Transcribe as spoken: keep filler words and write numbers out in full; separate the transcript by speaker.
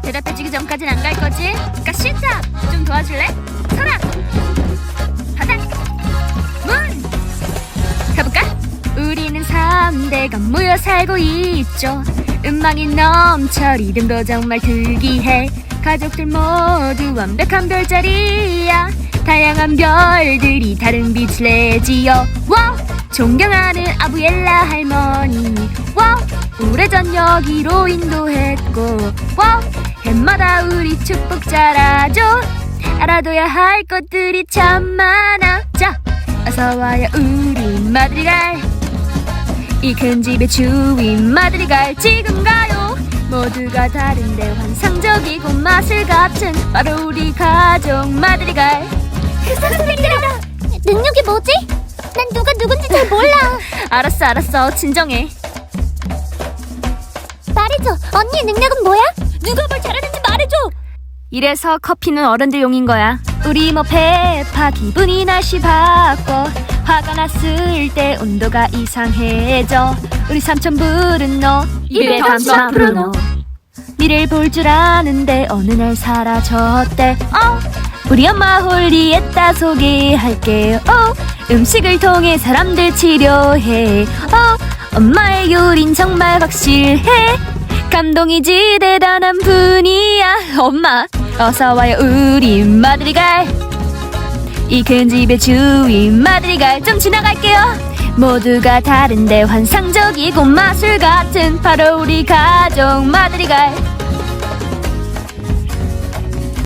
Speaker 1: 대답해주기 전까진 안 갈 거지? 그니까 시작! 좀 도와줄래? 서랍! 바닥! 문! 가볼까? 우리는 삼 대가 모여 살고 있죠. 음악이 넘쳐 리듬도 정말 특이해. 가족들 모두 완벽한 별자리야. 다양한 별들이 다른 빛을 내지요. 와우! 존경하는 아부엘라 할머니. 와우! 오래전 여기로 인도했고. 와우! 해마다 우리 축복 잘하죠. 알아둬야 할 것들이 참 많아. 자, 어서와요 우리 마드리갈. 이 큰 집의 주인 마드리갈 지금 가요. 모두가 다른데 환상적이고 맛을 같은 바로 우리 가족 마드리갈.
Speaker 2: 선생님들아, 능력이 뭐지? 난 누가 누군지 잘 몰라.
Speaker 1: 알았어 알았어 진정해.
Speaker 2: 말해줘, 언니의 능력은 뭐야? 누가 뭘 잘하는지 말해줘.
Speaker 1: 이래서 커피는 어른들용인 거야. 우리 뭐 페파 기분이 날씨 바꿔. 화가 났을 때 온도가 이상해져. 우리 삼촌 브루노 입에 담다 브루노. 미래를 볼 줄 아는데 어느 날 사라졌대. 어? 우리 엄마 홀리에따 소개할게요. 어? 음식을 통해 사람들 치료해. 어? 엄마의 요린 정말 확실해. 감동이지 대단한 분이야. 엄마 어서와요 우리 마드리갈. 이 큰 집의 주인 마드리갈. 좀 지나갈게요. 모두가 다른데 환상적이고 마술 같은 바로 우리 가족 마드리갈.